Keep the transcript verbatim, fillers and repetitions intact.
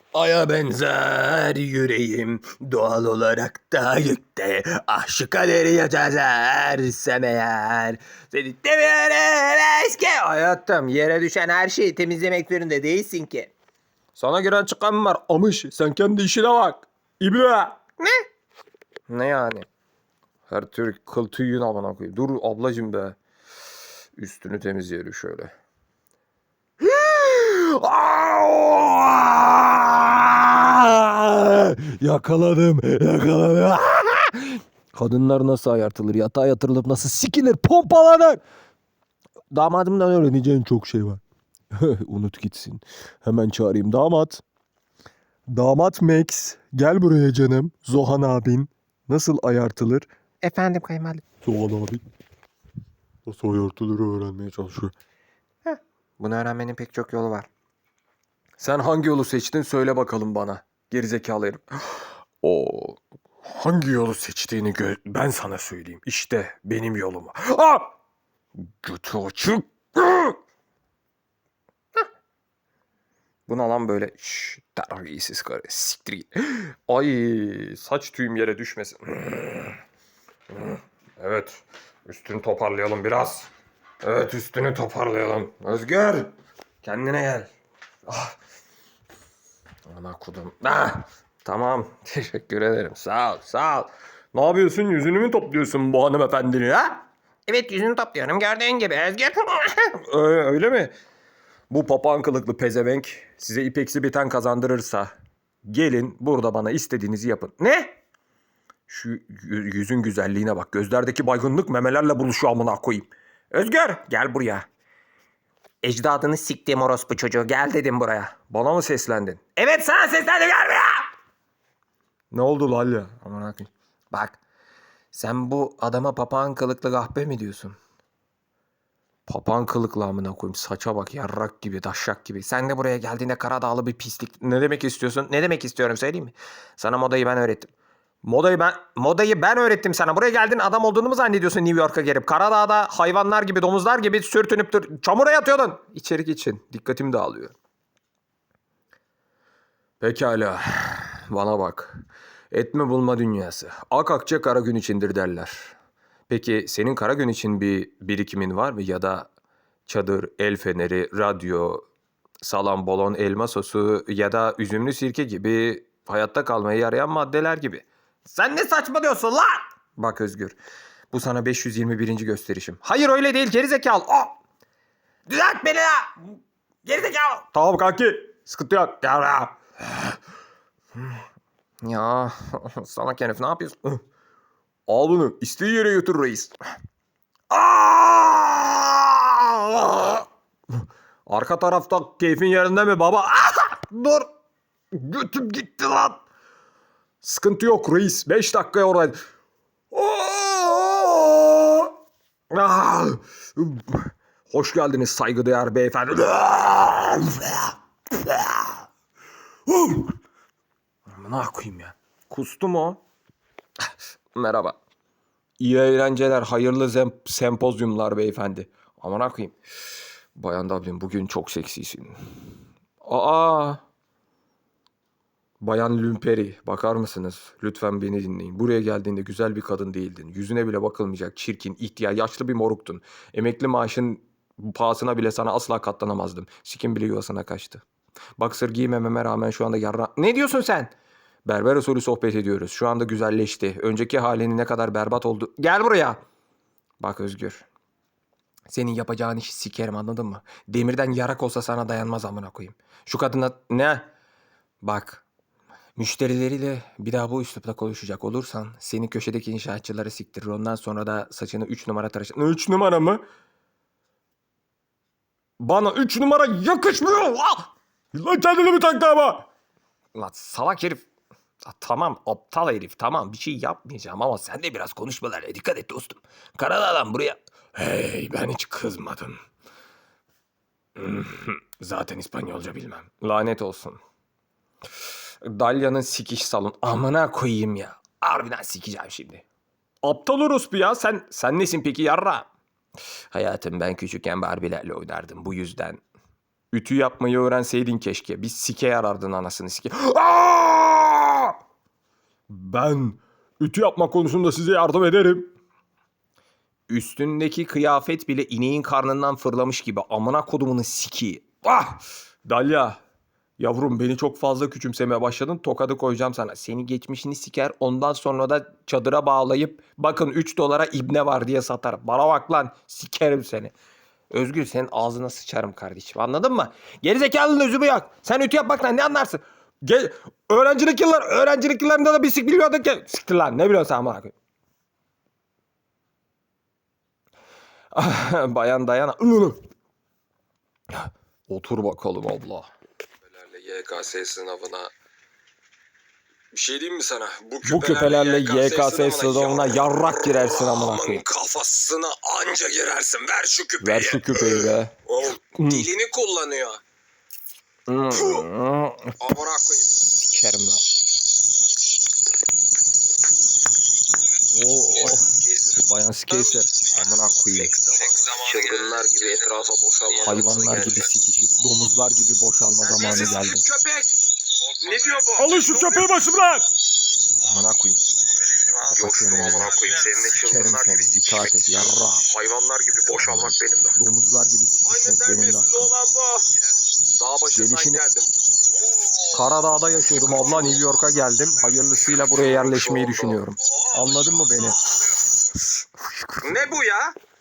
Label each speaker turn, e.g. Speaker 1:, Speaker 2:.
Speaker 1: Aya benzer yüreğim doğal olarak da yükte. Ah şu kaderi yazarsam eğer. Seni demiyorum eski. Hayatım yere düşen her şeyi temizlemek zorunda değilsin ki. Sana giren çıkan mı var? Amış sen kendi işine bak. İbne. Ne? Ne yani? Her tür kıl tüyün amına koyayım. Dur ablacım be. Üstünü temizleyelim şöyle. Yakaladım, yakaladım. Kadınlar nasıl ayartılır, yatağa yatırılıp nasıl sikilir, pompalanır. Damadımdan öğreneceğin çok şey var. Unut gitsin. Hemen çağırayım damat. Damat Max, gel buraya canım. Zohan abin nasıl ayartılır?
Speaker 2: Efendim kayınvalide.
Speaker 1: Zohan abi nasıl ayartılır öğrenmeye çalışıyor.
Speaker 2: Heh, bunu öğrenmenin pek çok yolu var.
Speaker 1: Sen hangi yolu seçtin söyle bakalım bana. Gerizekalı herif. O hangi yolu seçtiğini gö- ben sana söyleyeyim. İşte benim yolum. Ah! Götü açık. Buna lan böyle şşş terbiyesiz karı siktir git. Ay saç tüyüm yere düşmesin. Evet üstünü toparlayalım biraz. Evet üstünü toparlayalım. Özgür kendine gel. Ah. Ana kudum. Ah, tamam. Teşekkür ederim. Sağ ol, sağ ol. Ne yapıyorsun? Yüzünü mü topluyorsun bu hanımefendinin ha?
Speaker 2: Evet yüzünü topluyorum gördüğün gibi Özgür.
Speaker 1: Öyle, öyle mi? Bu papağan kılıklı pezevenk size ipeksi biten kazandırırsa gelin burada bana istediğinizi yapın. Ne? Şu yü- yüzün güzelliğine bak. Gözlerdeki baygınlık memelerle buluşuyor amına koyayım. Özgür gel buraya.
Speaker 2: Ecdadını siktiğim orospu çocuğu gel dedim buraya.
Speaker 1: Bana mı seslendin?
Speaker 2: Evet sana seslendim gel buraya.
Speaker 1: Ne oldu Lalya? Aman akıyım.
Speaker 2: Bak sen bu adama papağan kılıklı kahpe mi diyorsun?
Speaker 1: Papağan kılıklı amına koyayım. Saça bak yarrak gibi, daşşak gibi.
Speaker 2: Sen de buraya geldiğinde Karadağlı bir pislik. Ne demek istiyorsun? Ne demek istiyorum söyleyeyim mi? Sana modayı ben öğrettim. Modayı ben modayı ben öğrettim sana. Buraya geldin adam olduğunu mu zannediyorsun New York'a gelip? Karadağ'da hayvanlar gibi, domuzlar gibi sürtünüp dur çamura yatıyordun.
Speaker 1: İçerik için. Dikkatim dağılıyor. Pekala. Bana bak. Etme bulma dünyası. Ak akçe kara gün içindir derler. Peki senin kara gün için bir birikimin var mı? Ya da çadır, el feneri, radyo, salam bolon, elma sosu ya da üzümlü sirke gibi hayatta kalmaya yarayan maddeler gibi.
Speaker 2: Sen ne saçmalıyorsun lan?
Speaker 1: Bak Özgür, bu sana beş yüz yirmi birinci gösterişim.
Speaker 2: Hayır öyle değil gerizekalı. O. Düzelt beni ya. Gerizekalı.
Speaker 1: Tamam kanki, sıkıntı yok.
Speaker 2: Gel buraya. Ya salak herif ne yapıyorsun?
Speaker 1: Al bunu, istediği yere götür reis.
Speaker 2: Aa!
Speaker 1: Arka tarafta keyfin yerinde mi baba? Ah!
Speaker 2: Dur. Götüm gitti lan.
Speaker 1: Sıkıntı yok reis, beş dakikaya oradaydı. Ah! Hoş geldiniz saygıdeğer beyefendi. Ne koyayım ya? Kustu mu o? Merhaba. İyi eğlenceler, hayırlı zem- sempozyumlar beyefendi. Aman koyayım. Bayan Dublin bugün çok seksisin. Aa! Bayan Lümperi, bakar mısınız? Lütfen beni dinleyin. Buraya geldiğinde güzel bir kadın değildin. Yüzüne bile bakılmayacak, çirkin, ihtiyar, yaşlı bir moruktun. Emekli maaşın pahasına bile sana asla katlanamazdım. Sikim bile yuvasına kaçtı. Baksır giymememe rağmen şu anda yarra... Ne diyorsun sen? Berber usulü sohbet ediyoruz. Şu anda güzelleşti. Önceki halinin ne kadar berbat oldu. Gel buraya. Bak Özgür. Senin yapacağın işi sikerim anladın mı? Demirden yarak olsa sana dayanmaz amına koyayım. Şu kadına... Ne? Bak... Müşterileriyle bir daha bu üslupla konuşacak olursan seni köşedeki inşaatçıları siktirir. Ondan sonra da saçını üç numara tıraş... Üç numara mı? Bana üç numara yakışmıyor. Ah! Lan kendini mi taktı ama?
Speaker 2: Lan salak herif. Ya tamam aptal herif tamam bir şey yapmayacağım ama sen de biraz konuşmalarına dikkat et dostum. Karadağ'dan buraya...
Speaker 1: Hey ben hiç kızmadım. Zaten İspanyolca bilmem. Lanet olsun. Dalya'nın sikiş salon. Amına koyayım ya.
Speaker 2: Harbiden sikeceğim şimdi.
Speaker 1: Aptal orospu ya. Sen sen nesin peki yarra?
Speaker 2: Hayatım ben küçükken Barbie'lerle oynardım bu yüzden.
Speaker 1: Ütü yapmayı öğrenseydin keşke. Bir sike yarardın anasını sike. Aa! Ben ütü yapma konusunda size yardım ederim. Üstündeki kıyafet bile ineğin karnından fırlamış gibi. Amına kodumunun siki. Ah! Dalya. Yavrum beni çok fazla küçümsemeye başladın. Tokadı koyacağım sana. Seni geçmişini siker. Ondan sonra da çadıra bağlayıp bakın üç dolara ibne var diye satarım. Bana bak lan. Sikerim seni. Özgür senin ağzına sıçarım kardeşim. Anladın mı? Gerizekalının özü bu yok. Sen ütü yapmaktan ne anlarsın? Gel, öğrencilik yıllar, öğrencilik yıllarında da bir sik biliyordun ki. Siktir lan ne biliyorsun sen bana? Bayan Dayana. Otur bakalım abla. Y K S sınavına. Bir şey diyeyim mi sana? Bu küpelerle,
Speaker 2: Bu küpelerle
Speaker 1: Y K S
Speaker 2: sınavına yarrak girersin amına koyayım.
Speaker 1: Kafasına anca girersin. Ver şu küpeyi.
Speaker 2: Ver şu küpeyi be.
Speaker 1: Oğlum, dilini kullanıyor. Amına koyayım.
Speaker 2: Sikerim lan. Oo, bayan Skater. Amına koyayım.
Speaker 1: Çılgınlar gibi etrafa boşalma.
Speaker 2: Hayvanlar gibi sikişip, domuzlar gibi boşalma zamanı geldi.
Speaker 1: Köpek. Ne diyor bu?
Speaker 3: Alın şu köpeği başımdan.
Speaker 2: Amına koyayım.
Speaker 1: Coştum amına koyayım. Seninle
Speaker 2: Sikerim
Speaker 1: çılgınlar
Speaker 2: seni.
Speaker 1: gibi
Speaker 2: İtaat et
Speaker 1: sikişmek.
Speaker 2: yarra.
Speaker 1: Hayvanlar gibi boşalmak benim de.
Speaker 2: Domuzlar gibi
Speaker 1: Aynı
Speaker 2: sikişmek benim de.
Speaker 1: terbiyesiz olan bu. Dağ başından
Speaker 2: Gelişini-
Speaker 1: geldim.
Speaker 2: Karadağ'da yaşıyordum abla, New York'a geldim. Hayırlısıyla buraya yerleşmeyi düşünüyorum. Anladın mı beni?
Speaker 1: Ne bu ya?